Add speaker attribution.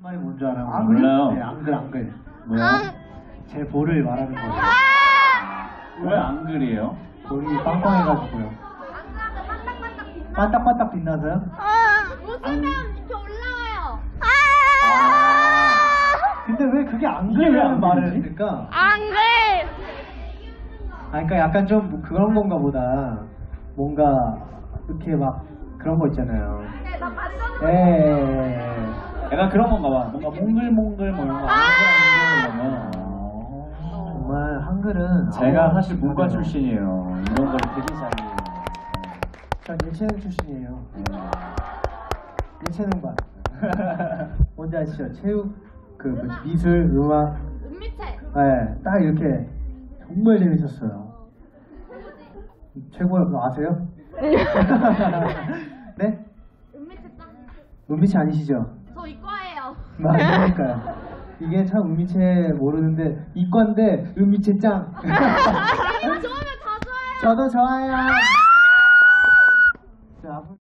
Speaker 1: 말이 뭔지 알아요?
Speaker 2: 몰라요.
Speaker 1: 네, 앙글.
Speaker 2: 뭐야?
Speaker 1: 제 볼을 말하는 거예요.
Speaker 2: 왜 앙글이에요?
Speaker 1: 볼이 빵빵해가지고요. 반딱반딱 빛나서요?
Speaker 3: 웃으면 이렇게 올라와요.
Speaker 1: 근데 왜 그게
Speaker 2: 이게 왜
Speaker 1: 앙글이라는 말을
Speaker 2: 앙글이지?
Speaker 1: 했을까?
Speaker 3: 앙글.
Speaker 1: 그러니까 약간 좀 그런 건가 보다. 뭔가 이렇게 막 그런 거 있잖아요.
Speaker 3: 나 봤어.
Speaker 1: 예.
Speaker 2: 약간 그런 건가 봐. 뭔가 몽글몽글 뭐 이런 거 앙글앙글
Speaker 1: 정말 한글은
Speaker 2: 제가
Speaker 1: 아무나
Speaker 2: 사실 문과
Speaker 1: 못하네요.
Speaker 2: 출신이에요. 이런 걸 되게 잘.
Speaker 1: 전 예체능 출신이에요. 예체능반. 뭔지 아시죠? 체육, 그 뭐지, 미술, 음악.
Speaker 3: 은미채.
Speaker 1: 네, 딱 이렇게 정말 재밌었어요. 최고예요. 그거 아세요? 네?
Speaker 3: 은미채 짱.
Speaker 1: 은미채 아니시죠?
Speaker 3: 저 이과예요.
Speaker 1: 맞으니까요. 이게 참 은미채 모르는데 이과인데 은미채 짱.
Speaker 3: 좋으면 다 좋아요.
Speaker 1: 저도 좋아요. 자,